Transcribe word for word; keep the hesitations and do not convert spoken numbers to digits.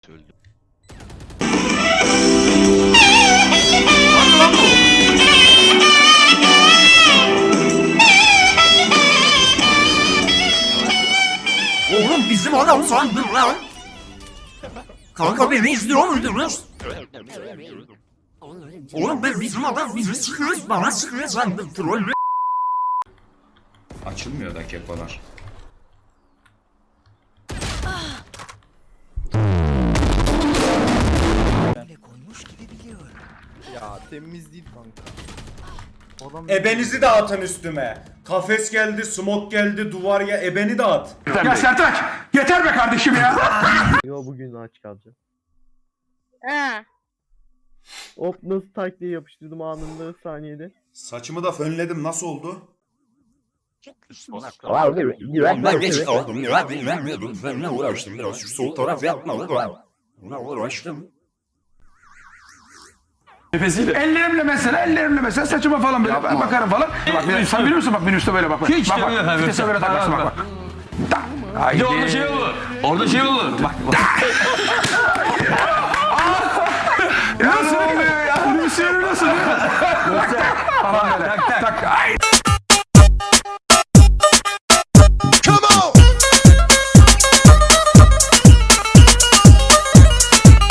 Öldüm. Oğlum bizim adam sandım lan. Kanka beni izliyor muydunuz? Oğlum ben bizim adam bizi sıkıyoruz bana sıkıyor sandım troll. Açılmıyor da kepalar. Ya temiz değil kanka. Adam Ebenizi de atın üstüme. Kafes geldi, smoke geldi, duvar ya ebeni de at. Ya Sertaç yeter be kardeşim ya. Yo bugün aç kalacağım. Ha. Hop nasıl tak diye yapıştırdım anında saniyede. Saçımı da fönledim, nasıl oldu? Oğlum ben geç kaldım ya bilmem ne ben ne uğraştım biraz şu sol taraf yapmalı da. Buna uğraştım. Nefesiyle. Ellerimle mesela ellerimle mesela saçıma falan böyle ben bakarım falan. Bak bir- sen biliyor musun bak minibüste böyle bak. Bak Hiç bak, de bak. öyle efendim. Vitese böyle takarsın bak bak. Da. Haydi. Bir de orada şey olur. Orada şey olur. Bak bak.